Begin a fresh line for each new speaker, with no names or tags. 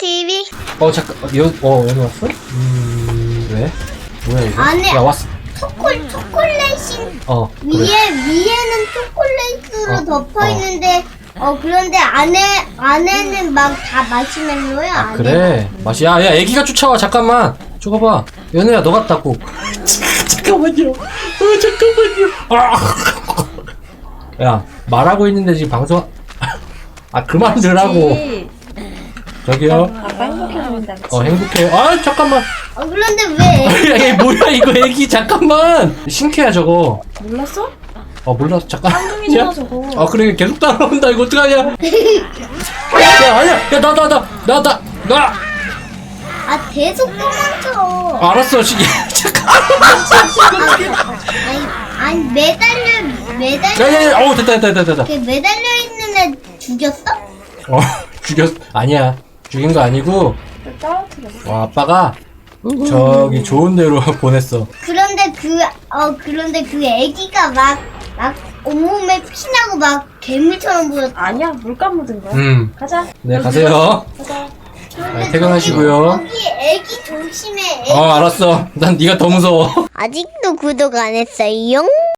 TV.
잠깐, 여기 왔어? 왜? 뭐야, 이거?
안에
야, 왔어.
초콜릿이
그래.
위에는 초콜릿으로 덮어 있는데 그런데 안에는 막 다 마시멜로야.
아, 그래. 맛이, 야, 애기가 쫓아와. 잠깐만. 저거 봐. 연우야, 너 같다고. 잠깐만요. 잠깐만요. 야, 말하고 있는데 지금 방송, 그만 들라고. 저기요.
아빠 행복해 보인다.
행복해. 잠깐만.
그런데 왜?
야, 얘 뭐야, 이거 애기. 잠깐만. 신캐야, 저거.
몰랐어?
몰랐어. 잠깐.
쌍둥이잖아 저거.
그래, 계속 따라온다. 이거 어떡하냐. 야, 아니야. 야, 나.
계속 도망쳐.
알았어. 잠깐.
아니 매달려.
야. 됐다.
걔 매달려 있는 애 죽였어?
죽였, 아니야. 죽인 거 아니고,
떨어뜨렸어.
아빠가 저기 좋은 데로 보냈어.
그런데 그 애기가 막 온몸에 피나고 막 괴물처럼 보였어.
아니야 물감 묻은 거야. 가자.
네, 가세요.
가자.
퇴근하시고요.
거기 애기 조심해.
알았어. 난 네가 더 무서워.
아직도 구독 안 했어요?